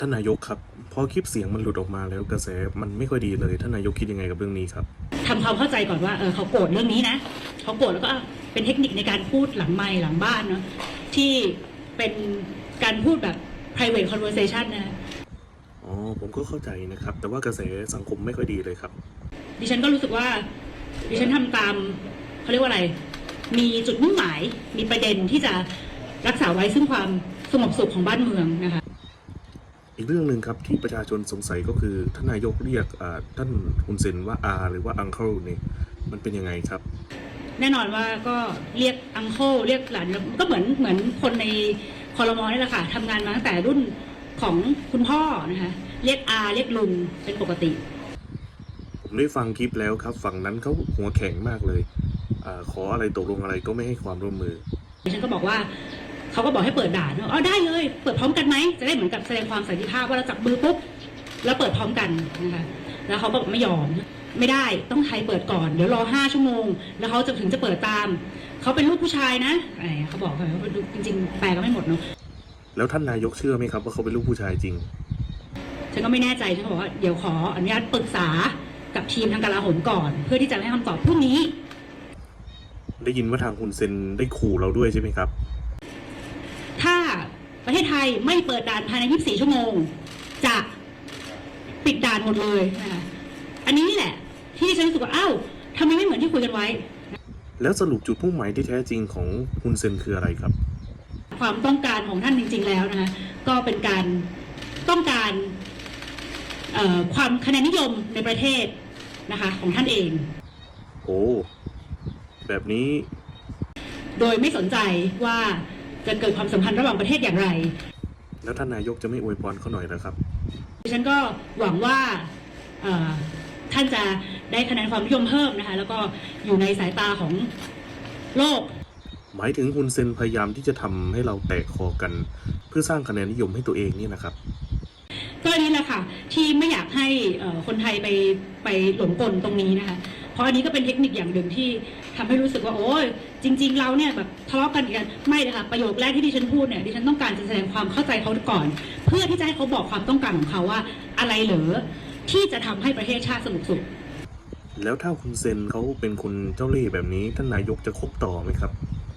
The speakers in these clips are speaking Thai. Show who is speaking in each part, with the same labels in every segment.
Speaker 1: ท่านนายกครับพอคลิปเสียงมันหลุดออกมาแล้วกระแสมันไม่ค่อยดีเลยท่านนายกคิดยังไงกับเรื่องนี้ครับ
Speaker 2: ทำความเข้าใจก่อนว่าเขาโกรธเรื่องนี้นะเขาโกรธแล้วก็เป็นเทคนิคในการพูดหลังไมค์หลังบ้านเนาะที่เป็นการพูดแบบ private conversation นะ
Speaker 1: อ๋อผมก็เข้าใจนะครับแต่ว่ากระแสสังคมไม่ค่อยดีเลยครับ
Speaker 2: ดิฉันก็รู้สึกว่าดิฉันทำตามเขาเรียกว่าอะไรมีจุดมุ่งหมายมีประเด็นที่จะรักษาไว้ซึ่งความสงบสุขของบ้านเมืองนะคะ
Speaker 1: อีกเรื่องหนึ่งครับที่ประชาชนสงสัยก็คือท่านนายกเรียกท่านฮุนเซนว่าอาหรือว่าอังเคิลเนี่ยมันเป็นยังไงครับ
Speaker 2: แน่นอนว่าก็เรียกอังเคิลเรียกหลานก็เหมือนคนในครม.นี่แหละค่ะทำงานมาตั้งแต่รุ่นของคุณพ่อนะคะเรียกอาเรียกลุงเป็นปกติ
Speaker 1: ผมได้ฟังคลิปแล้วครับฝั่งนั้นเขาหัวแข็งมากเลยขออะไรตกลงอะไรก็ไม่ให้ความร่วมมือ
Speaker 2: ฉันก็บอกว่าเขาก็บอกให้เปิดด่านอ๋อได้เลยเปิดพร้อมกันไหมจะได้เหมือนกับแสดงความสันติภาพว่าเราจับมือปุ๊บแล้วเปิดพร้อมกันนะคะแล้วเขาก็ไม่ยอมไม่ได้ต้องไทยเปิดก่อนเดี๋ยวรอ5 ชั่วโมงแล้วเขาจะถึงจะเปิดตามเขาเป็นลูกผู้ชายนะเขาบอกเขาจริงๆแปลก็ไม่หมดเนาะ
Speaker 1: แล้วท่านนายกเชื่อไหมครับว่าเขาเป็นลูกผู้ชายจริง
Speaker 2: ฉันก็ไม่แน่ใจฉันก็บอกว่าเดี๋ยวขออนุญาตปรึกษากับทีมทางกลาโหมก่อนเพื่อที่จะให้คำตอบพรุ่งนี้
Speaker 1: ได้ยินว่าทางฮุนเซนได้ขู่เราด้วยใช่ไหมครับ
Speaker 2: ถ้าประเทศไทยไม่เปิดด่านภายใน24 ชั่วโมงจะปิดด่านหมดเลยนะคะอันนี้แหละที่ฉันรู้สึกว่าอ้าวทำไมไม่เหมือนที่คุยกันไว้
Speaker 1: แล้วสรุปจุดมุ่งหมายที่แท้จริงของฮุนเซนคืออะไรครับ
Speaker 2: ความต้องการของท่านจริงๆแล้วนะคะก็เป็นการต้องการความคะแนนนิยมในประเทศนะคะของท่านเอง
Speaker 1: โอ้แบบนี้
Speaker 2: โดยไม่สนใจว่าจะเกิดความสัมพันธ์ระหว่างประเทศอย่างไร
Speaker 1: แล้วท่านนายกจะไม่อวยพรเขาหน่อยนะครับ
Speaker 2: ดิฉันก็หวังว่าท่านจะได้คะแนนความนิยมเพิ่มนะคะแล้วก็อยู่ในสายตาของโลก
Speaker 1: หมายถึงฮุนเซนพยายามที่จะทำให้เราแตกคอกันเพื่อสร้างคะแนนนิยมให้ตัวเองนี่นะครับ
Speaker 2: ก็อันนี้แหละค่ะที่ไม่อยากให้คนไทยไปหลงกลตรงนี้นะคะเพราะอันนี้ก็เป็นเทคนิคอย่างหนึ่งที่ทำให้รู้สึกว่าโอ้ยจริงๆเราเนี่ยแบบทะเลาะกันกันไม่เลยค่ะประโยคแรกที่ดิฉันพูดเนี่ยดิฉันต้องการจะแสดงความเข้าใจเขาก่อนเพื่อที่จะให้เขาบอกความต้องการของเขาว่าอะไรเหรอที่จะทำให้ประเทศชาติสงบสุข
Speaker 1: แล้วถ้าฮุนเซนเขาเป็นคนเจ้าเล่ห์แบบนี้ท่านนายกจะคบต่อไหมครับ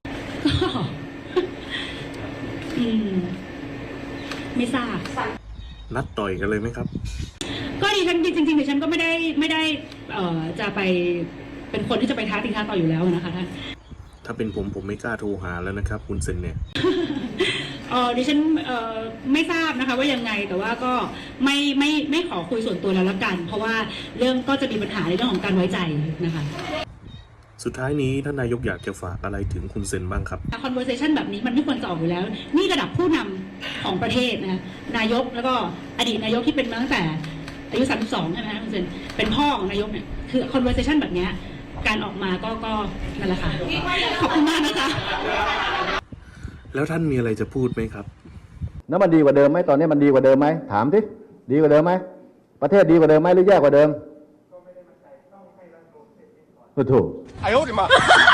Speaker 2: ไม่ทราบ
Speaker 1: นัดต่อยกันเลยไหมครับ
Speaker 2: ก็ดิฉันจริงๆดิฉันก็ไม่ได้จะไปเป็นคนที่จะไปท้าตีท้าต่อยอยู่แล้วนะคะท่าน
Speaker 1: ถ้าเป็นผมไม่กล้าโทรหาแล้วนะครับฮุนเซนเนี่ย
Speaker 2: ดิฉันไม่ทราบนะคะว่ายังไงแต่ว่าก็ไม่ขอคุยส่วนตัวแล้วละกันเพราะว่าเรื่องก็จะมีปัญหาในเรื่องของการไว้ใจนะคะ
Speaker 1: สุดท้ายนี้ท่านนายกอยากจะฝากอะไรถึงฮุนเซนบ้างครับ
Speaker 2: conversation แบบนี้มันไม่ควรจะออกอยู่แล้วนี่ระดับผู้นำของประเทศนะคะนายกแล้วก็อดีตนายกที่เป็นมาตั้งแต่อายุ32ใช่ไหมคะคุณเซนเป็นพ่อของนายกเนี่ยคือ conversation แบบนี้การออกมาก็นั่นแหละค่ะขอบคุณมากนะคะ
Speaker 1: แล้วท่านมีอะไรจะพูดไหมครับ
Speaker 3: แล้วมันดีกว่าเดิมไหมตอนนี้มันดีกว่าเดิมไหมถามสิดีกว่าเดิมไหมประเทศดีกว่าเดิมไหมหรือแย่กว่าเดิมก็ไม่ได้มั่นใจต้องให้รัฐบาลเสร็จก่อนถูก哎呦我的妈